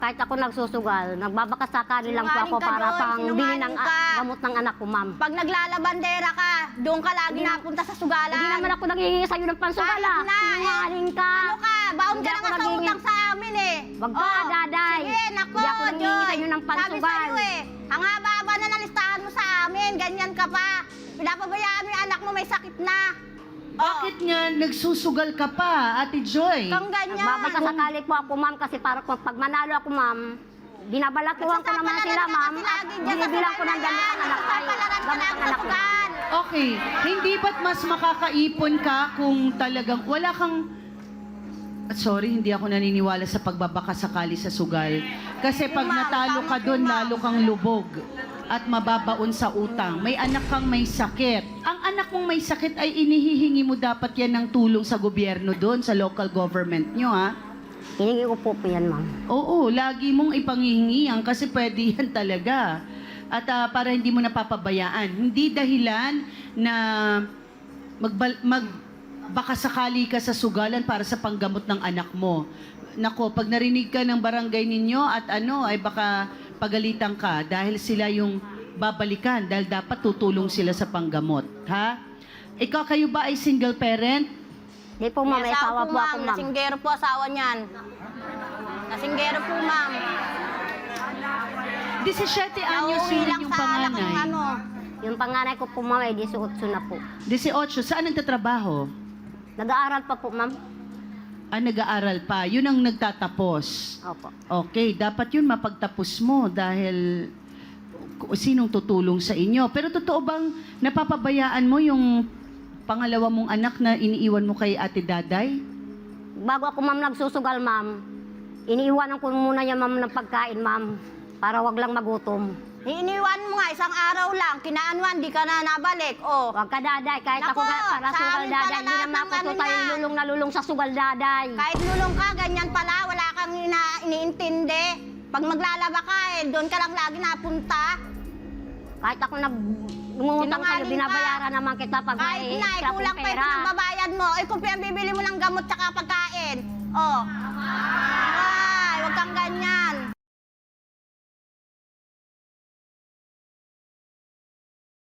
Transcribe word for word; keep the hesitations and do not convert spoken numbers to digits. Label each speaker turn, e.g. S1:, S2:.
S1: Kahit ako nagsusugal, nagbabakasakali lang po ako
S2: Sinungaling ka
S1: para
S2: doon,
S1: pang bili ng
S2: sinungaling ka.
S1: ah, gamot ng anak ko, ma'am.
S2: Pag naglalabandera ka, doon ka lagi
S1: Hindi-
S2: napunta sa sugalan.
S1: Hindi naman ako naghihingi sa'yo ng pansugal, ah.
S2: Kahit na, eh.
S1: Sinungaling ka.
S2: Ano ka? Baon
S1: Hindi
S2: ka na
S1: ako
S2: nga sa
S1: naghihingi-
S2: utang sa amin eh.
S1: Wag ka,
S2: Oh,
S1: daday.
S2: Sige, nako,
S1: Hindi ako nanghihingi
S2: Joy.
S1: sa'yo ng
S2: Sabi
S1: pansugal.
S2: sa'yo eh, ang haba-haba na nalistahan mo sa amin, ganyan ka pa. Pinapabayaan mo yung anak mo, may sakit na.
S3: Bakit nga nagsusugal ka pa, Ate Joy?
S2: Kang ganyan.
S1: Nagbabakasakali po ako, ma'am, kasi para kung pag manalo ako, ma'am, binabalatuhan ko naman sila, ma'am. At binibilang ko ng gamot ng anak ay
S2: Papalaran ka
S1: gamot
S2: lang
S1: ng
S2: sa
S1: anak ko.
S2: sugal.
S3: Okay, hindi ba't mas makakaipon ka kung talagang wala kang... Sorry, hindi ako naniniwala sa pagbabakasakali sa sugal. Kasi pag
S2: Ma'am,
S3: natalo ka
S2: tama
S3: doon,
S2: po, ma'am.
S3: lalo kang lubog at mababaon sa utang. May anak kang may sakit. Ang anak mong may sakit ay inihihingi mo dapat yan ng tulong sa gobyerno doon, sa local government nyo, ha?
S1: Hiningi ko po po yan, ma'am. Oo.
S3: Oo, lagi mong ipangihingi yan kasi pwede yan talaga. At ah, para hindi mo napapabayaan. Hindi dahilan na magbal, mag, baka sakali ka sa sugalan para sa panggamot ng anak mo. Nako, pag narinig ka ng barangay ninyo at ano, ay baka pagalitan ka dahil sila yung babalikan dahil dapat tutulong sila sa panggamot. Ha? Ikaw, kayo ba ay single parent?
S1: Hindi po, ma'am. May asawa po ako, ma'am.
S2: Nasinggero po asawa niyan. Nasinggero po, ma'am.
S3: disisiete anyos
S2: Nauwi
S3: yun
S2: lang
S3: yung
S2: sa alak ng
S3: panganay.
S2: ano.
S1: Yung panganay ko po, ma'am, ay eighteen na po.
S3: eighteen, saan nagtatrabaho?
S1: Nag-aaral pa po, ma'am.
S3: Ah, nag-aaral pa. Yun ang nagtatapos.
S1: Opo.
S3: Okay, dapat yun mapagtapos mo dahil k- sinong tutulong sa inyo. Pero totoo bang napapabayaan mo yung pangalawa mong anak na iniiwan mo kay Ate Daday?
S1: Bago ako, ma'am, nagsusugal, ma'am, iniiwanan ko muna niya, ma'am, ng pagkain, ma'am, para wag lang magutom.
S2: Iniwan mo nga, isang araw lang, kinaanuan, di ka na nabalik. Oh.
S1: Wag ka, daday. Kahit
S2: Naku,
S1: ako ga- para
S2: sa
S1: sugal,
S2: amin
S1: daday.
S2: pala
S1: Hindi
S2: lahat
S1: naman
S2: ng
S1: ako
S2: ano
S1: tutay
S2: niya.
S1: lulong na lulong sa sugal, daday.
S2: Kahit lulong ka, ganyan pala, wala kang ina iniintindi. Pag maglalaba ka, eh, doon ka lang lagi napunta.
S1: Kahit ako nag ngungutang sa'yo,
S2: Sinungaling ka.
S1: binabayaran naman kita pag
S2: Kahit
S1: may
S2: na, eh,
S1: extra
S2: kulang
S1: kong
S2: pa yung
S1: pera.
S2: pinagbabayad mo. Eh, kung pinabibili mo ng gamot tsaka pagkain. Oh.